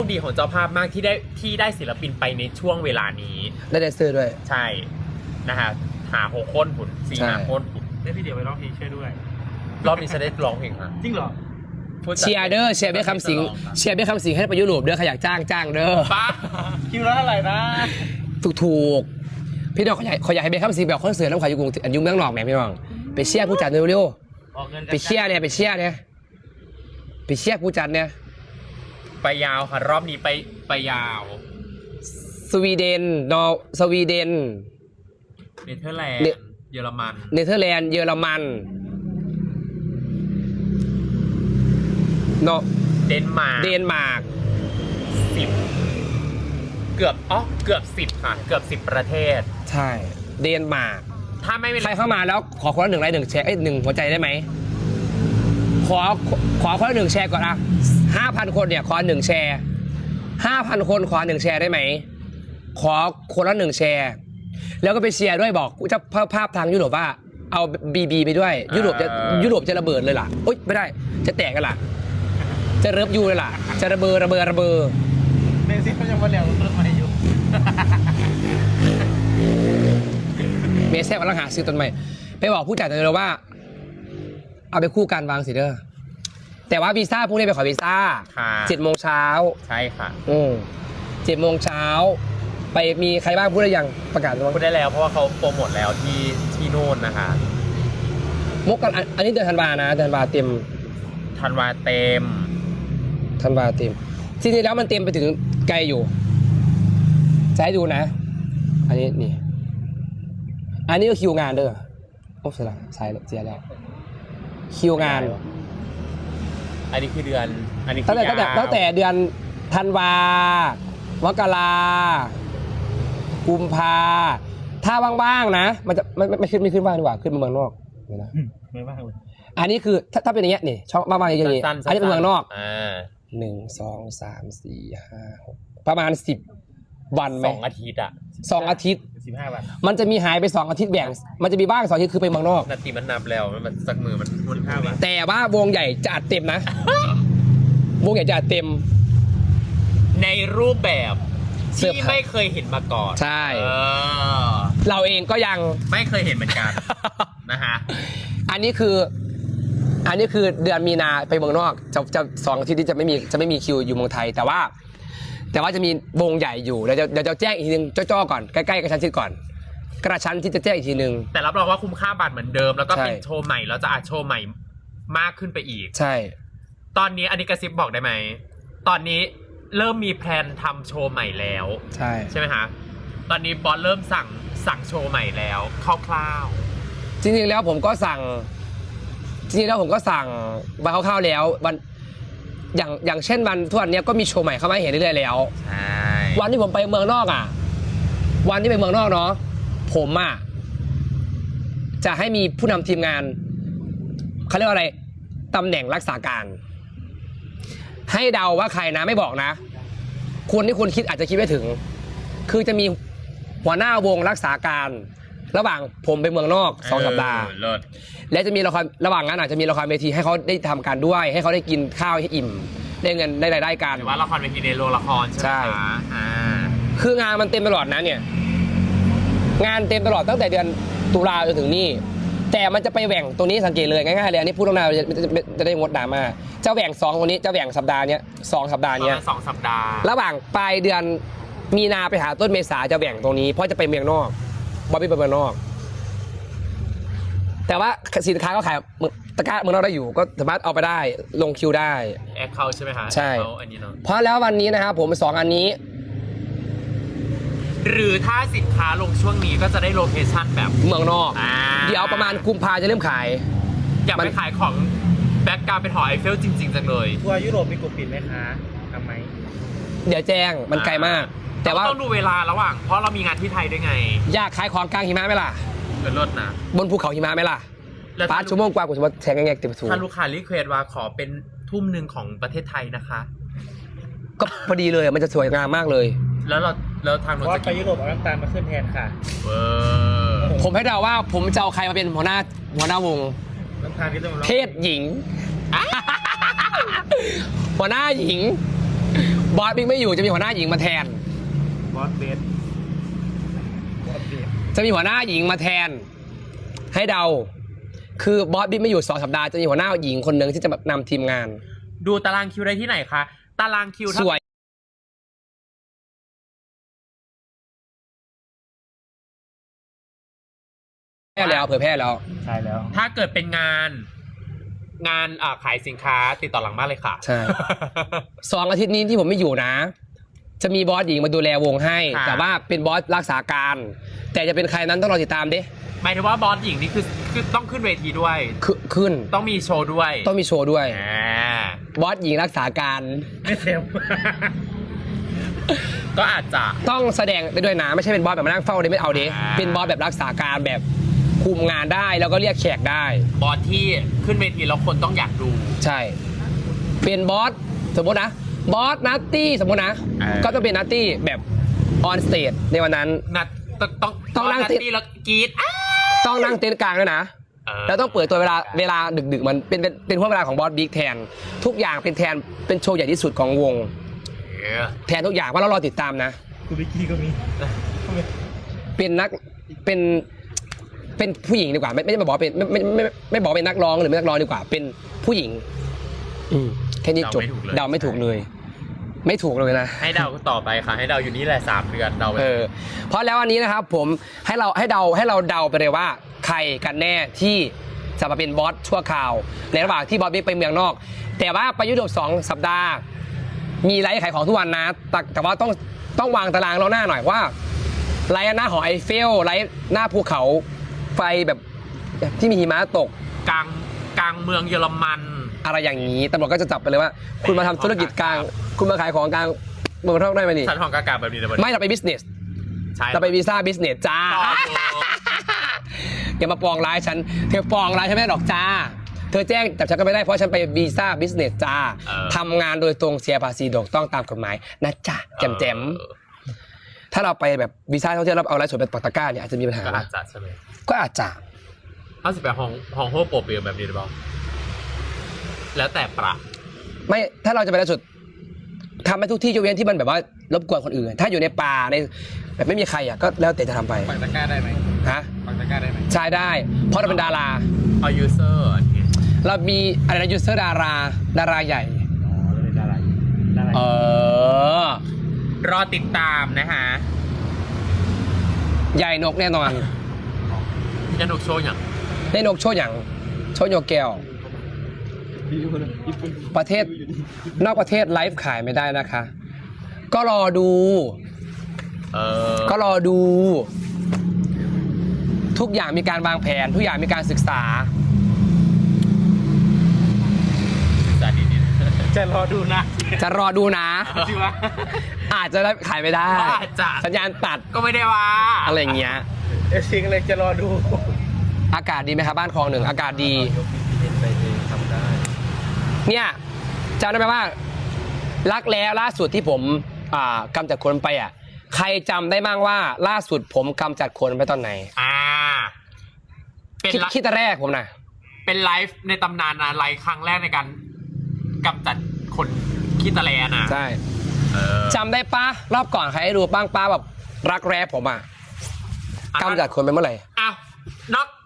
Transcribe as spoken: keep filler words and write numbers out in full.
ดีของเจ้าภาพมากที่ได้ที่ได้ศิลปินไปในช่วงเวลานี้ได้แดนเซอร์ด้วยใช่นะฮะหาหกคนหุ่นสี่หาคนหุ่นได้พี่เดียวไปร้องเพลงช่วยด้วยรอบนี้จะได้ร้องเพลงอ่ะจริงเหรอเชียร์เด้อเชียร์เบี้ยคำสิงเชียร์เบี้ยคำสิงให้ไปยุโรปเด้อใครอยากจ้างจ้างเด้อป้าคิวละเท่าไหร่นะถูกถูกพี่น้องเขาอยากเขาอยากให้เบี้ยคำสิงแบบคอนเสิร์ตน้ำขายอยู่กรุงยุ่งเมืองหนอกแหมพี่น้องไปเชียร์ผู้จัดเร็วๆไปเชียร์เนี่ยไปเชียร์เนี่ยไปเชียร์ผู้จัดเนี่ยไปยาวค่ะรอบนี้ไปไปยาวสวีเดนนอร์สวีเดนเนเธอร์แลนด์เยอรมันเนเธอร์แลนด์เยอรมันเนาะเดนมาร์กเดนมาร์กสิบเกือบอ๋อเกือบสิบค่ะเกือบสิบประเทศใช่เดนมาร์กถ้าไม่ใครเข้ามาแล้วขอคนละหนึ่งไลค์หนึ่งแชร์ไอ้หนึ่งหัวใจได้ไหมขอขอคนละหนึ่งแชร์ก่อนอะห้าพันคนเนี่ยขอหนึ่งแชร์ห้าพันคนขอหนึ่งแชร์ได้ไหมขอคนละหนึ่งแชร์แล้วก็ไปเชียร์ด้วยบอกจะภาพภาพทางยุโรปว่าเอาบีบีไปด้วยยุโรปจะยุโรปจะระเบิดเลยล่ะโอ๊ยไม่ได้จะแตกกันล่ะจะเริบยูเลยล่ะจะระเบิดระเบิดระเบิดเมซี่เขายังมาเลี้ยงรถมาอยู่เมซี่กำลังหาซื้อต้นใหม่ไปบอกผู้จัดเลยว่าเอาไปคู่กันวางสิเด้อแต่ว่าวีซ่าพวกนี้ไปขอวีซ่าเจ็ดโมงเช้าใช่ค่ะอืมเจ็ดโมงเช้าไปมีใครบ้างพูดได้ยังประกาศพูดได้แล้วเพราะว่าเขาโปรโมทแล้วที่ที่โน่นนะคะมกกันอันนี้เดือนธันวานะเดือนธันวาเต็มธันวาเต็มธันวาเต็มจริงๆแล้วมันเต็มไปถึงไกลอยู่จะให้ดูนะอันนี้นี่อันนี้ก็คิวงานเด้อโอ้เสียละสายเสียแล้วคิวงานอันนี้คือเดือนอันนี้ตั้งแต่ตั้งแต่ตั้งแต่เดือนธันวามกรากุมภาถ้าว่างๆนะมันจะไม่ไม่ขึ้นไม่ขึ้นว่างดีกว่าขึ้นมาเมืองนอกเดี๋ยวนะไม่ว่างเลยอันนี้คือถ้าถ้าเป็นอย่างเงี้ยนี่ช่องว่างๆอย่างเงี้ยอันนี้เป็นเมืองนอกอ่าหนึ่งสองสามสี่ห้าหกประมาณสิบวันไหมสองอาทิตย์อะสองอาทิตย์สิบห้าวันมันจะมีหายไปสองอาทิตย์แบ่งมันจะมีบ้างสองอาทิตย์คือไปเมืองนอกนาทีมันนับแล้วมันสักมือมันมันห้าวันแต่ว่าวงใหญ่จะอัดเต็มนะวงใหญ่จะอัดเต็มในรูปแบบที่ไม่เคยเห็นมาก่อนใช่เราเองก็ยังไม่เคยเห็นเหมือนกันนะฮะอันนี้คืออันนี้คือเดือนมีนาไปเมืองนอกจะจะสองอาทิตย์ที่จะไม่มีจะไม่มีคิวอยู่เมืองไทยแต่ว่าแต่ว่าจะมีวงใหญ่อยู่เดี๋ยวจะเดี๋ยวจะแจ้งอีกทีนึงจ้อๆก่อนใกล้ๆกระชั้นชิดก่อนกระชั้นที่จะแจ้งอีกทีนึงแต่รับรองว่าคุ้มค่าบัตรเหมือนเดิมแล้วก็เป็นโชว์ใหม่แล้วจะอาจโชว์ใหม่มากขึ้นไปอีกใช่ตอนนี้อันนี้กระซิบบอกได้ไหมตอนนี้เริ่มมีแพลนทำโชว์ใหม่แล้วใช่ใช่ไหมคะตอนนี้บอสเริ่มสั่งสั่งโชว์ใหม่แล้วคร่าวๆจริงๆแล้วผมก็สั่งจริงๆแล้วผมก็สั่งมาคร่าวๆแล้ววันอย่างอย่างเช่นวันทุกวันนี้ก็มีโชว์ใหม่เข้ามาเห็นเรื่อยๆแล้วใช่วันที่ผมไปเมืองนอกอ่ะวันที่ไปเมืองนอกเนาะผมอ่ะจะให้มีผู้นำทีมงานเขาเรียกว่าอะไรตำแหน่งรักษาการให้เดาว่าใครนะไม่บอกนะคนที่คุณคิดอาจจะคิดไม่ถึงคือจะมีหัวหน้าวงรักษาการระหว่างผมไปเมืองนอกสองสัปดาห์และจะมีละครระหว่างนั้นอาจจะมีละครเวทีให้เขาได้ทำการด้วยให้เขาได้กินข้าวให้อิ่มได้เงินได้รายได้กันหรือว่าละครเวทีในโรงละครใช่ไหมอ่าคืองานมันเต็มตลอดนะเนี่ยงานเต็มตลอดตั้งแต่เดือนตุลาจนถึงนี่แต่มันจะไปแหว่งตรงนี้สังเกตเลยง่ายๆเลยอันนี้พูดตรงนั้นจะได้งดดราม่าจะแหว่งสองวันนี้จะแหว่งสัปดาห์นี้สองสัปดาห์นี้สองสัปดาห์ระหว่างปลายเดือนมีนาไปหาต้นเมษาจะแหว่งตรงนี้เพราะจะไปเมืองนอกบอบบี้ไปเมืองนอกแต่ว่าสินค้าก็ขายตะกร้าเมืองนอกได้อยู่ก็สามารถเอาไปได้ลงคิวได้แอคเคาท์ใช่ไหมคะใช่อันนี้เนาะเพราะแล้ววันนี้นะครับผมสองอันนี้หรือถ้าสินค้าลงช่วงนี้ก็จะได้โลเคชั่นแบบเมืองนอกเดี๋ยวประมาณกุมภาจะเริ่มขายอยากไปขายของแบ็กกราวด์เป็นหอไอเฟลจริงๆจังเลยทัวร์ยุโรปมีกลุ่มปิดไหมคะทำไหมเดี๋ยวแจ้งมันไกลมากแต่ว่าต้องดูเวลาระหว่างเพราะเรามีงานที่ไทยด้วยไงอยากขายของกลางหิมะไหมล่ะเป็นรถนะบนภูเขาหิมะไหมล่ะป้าชั่วโมงกว่ากูจะมาแทงแงกเต็มสูงถ้าลูกค้ารีเควสว่าขอเป็นทุ่มหนึ่งของประเทศไทยนะคะก็พอดีเลยมันจะสวยงามมากเลยแล้วเราแล้วทางรถจะไปยุโรปเอาน้ำตาลมาขึ้นแทนค่ะผมให้เดาว่าผมจะเอาใครมาเป็นหัวหน้าหัวหน้าวงน้ำตาลที่ต้องเพศหญิงหัวหน้าหญิงบอสบิ๊กไม่อยู่จะมีหัวหน้าหญิงมาแทนบอสเบสบอสเบสจะมีหัวหน้าหญิงมาแทน ให้เดา คือบอสบิ๊กไม่อยู่สองสัปดาห์จะมีหัวหน้าหญิงคนหนึ่งที่จะนำทีมงานดูตารางคิวได้ที่ไหนคะ ตารางคิวสถ้าวยแพร่แล้วเผยแพร่แล้วใช่แล้วถ้าเกิดเป็นงาน งานอ่าขายสินค้าติดต่อหลังบ้านเลยค่ะใช่ สองอาทิตย์นี้ที่ผมไม่อยู่นะ จะมีบอสหญิงมาดูแลวงให้ค่ะแต่ว่าเป็นบอสรักษาการ แต่จะเป็นใครนั้นต้องรอติดตามดิหมายถึงว่าบอสหญิงนี่คือคือต้องขึ้นเวทีด้วยขึ้นขึ้นต้องมีโชว์ด้วยต้องมีโชว์ด้วยอ่าบอสหญิงรักษาการไม่เซลก็อาจจะต้องแสดงได้ด้วยนะไม่ใช่เป็นบอสแบบมานั่งเฝ้าเลยไม่เอาดิอ่าเป็นบอสแบบรักษาการแบบคุมงานได้แล้วก็เรียกแขกได้บอสที่ขึ้นเวทีแล้วคนต้องอยากดูใช่ เป็นบอสสมมตินะบอสนัตตี้สมมตินะเออก็ต้องเป็นนัตตี้แบบออนสเตจในวันนั้นนัดต้องต้องต้องนั่งนัดติดที่แล้วกรีดอ้าต้องนั่งเต็นท์กลางด้วยนะเออแล้วต้องเปิดตัวเวลาเวลาดึกๆมันเป็นเป็นเป็นห่วงเวลาของบอสบิ๊กแทน ทุกอย่างเป็นแทนเป็นโชว์ใหญ่ที่สุดของวงเออแทนทุกอย่างว่าเรารอติดตามนะคุณวิกกี้ก็มีเป็นนักเป็นเป็นผู้หญิงดีกว่า ไม่ไม่ไม่บอกว่าเป็นไม่ไม่ไม่ไม่ไม่บอกว่าเป็นนักร้องหรือไม่นักร้องดีกว่า เป็นผู้หญิง อืมแค่นี้จบเดาไม่ถูกเลย ไม่ถูกเลยนะให้เดาต่อไปค่ะ ให้เดาอยู่นี่แหละสามเดือนเดาไปเออเพราะแล้ววันนี้นะครับผมให้เราให้เดาให้เราเดาไปเลยว่า ใครกันแน่ที่จะมาเป็นบอสชั่วคราว ในระหว่างที่บอสบิ๊กไปเมืองนอก แต่ว่าไปยุโรปสองสัปดาห์ มีไลฟ์ขายของทุกวันนะแต่แต่ว่าต้องต้องวางตารางเราหน้าหน่อยว่าไลฟ์หน้าหอไอเฟลไลฟ์หน้าภูเขาไฟแบบที่มีหิมะตกกลางกลางเมืองเยอรมันอะไรอย่างนี้ตำรวจก็จะจับไปเลยว่า คุณมาทำธุรกิจกลาง คุณมาขายของกลางเมืองนอกได้ไหมนี่สันทองกากาแบบนี้นะไม่เราไปบิสเนสใช่เราไปวีซ่าบิสเนสจ้าต่ออยู่อย่ามาปองร้ายฉัน เธอปองร้ายฉันไม่ได้หรอกจ้า เธอแจ้งแต่ฉันก็ไม่ได้เพราะฉันไปวีซ่าบิสเนสจ้าเออทำงานโดยตรงเสียภาษีถูกต้องตามกฎหมายนะจ๊ะแจมแจมเออถ้าเราไปแบบวีซ่าท่องเที่ยวแล้วเอาไลฟ์สดเป็นปักตะกร้าเนี่ยอาจจะมีปัญหาก็อานะจจะใช่ไหมก็อาจจะเอาสิไปห้องห้องโฮโปรเปียแบบนี้หรือเปล่าแล้วแต่ประไม่ถ้าเราจะไปไลฟ์สดทำให้ทุกที่ยกเว้นที่มันแบบว่ารบกวนคนอื่น ถ้าอยู่ในป่าในแบบไม่มีใครอ่ะก็แล้วแต่จะทำไปปักตะกร้าได้ไหมฮะปักตะกร้าได้ไหมใช่ได้ เพราะเราเป็นดาราเอายูเซอร์เรามีอะไรนะยูเซอร์ดาราดาราใหญ่อ๋อแล้วเป็นดาราดาราเออรอติดตามนะฮะใหญ่นกแน่นอนยันกโชว์อย่างได้นกโชว์อย่างโชว์โยแก้วประเทศนอกประเทศไลฟ์ขายไม่ได้นะคะ ก็รอดูเออก็รอดู ทุกอย่างมีการวางแผน ทุกอย่างมีการศึกษาศึกษาดีๆนะจะรอดูนะจะรอดูนะจริงวะอาจจะได้ขายไม่ได้อาจจะสัญญาณตัดก็ไม่ได้ว่าอะไรอย่างเงี้ยเอซิงเลยจะรอดูอากาศดีไหมครับบ้านคลองหนึ่งอากาศดีไปเองทำได้เนี่ยจำได้ไหมว่า รักแล้วล่าสุดที่ผมอ่ากำจัดคนไปอ่ะ ใครจำได้บ้างว่าล่าสุดผมกำจัดคนไปตอนไหนอ่า เป็นคิดไลคิดแต่แรกผมนะเป็นไลฟ์ในตำนานนะไลฟ์ครั้งแรกในการกำจัดคนขี้ตะแลนะใช่เออจำได้ปะรอบก่อนใครให้ดูบ้างป้าแบบรักแร้ผมอ่ะกำจัดคนไปเมื่อไหร่อ้าว นอก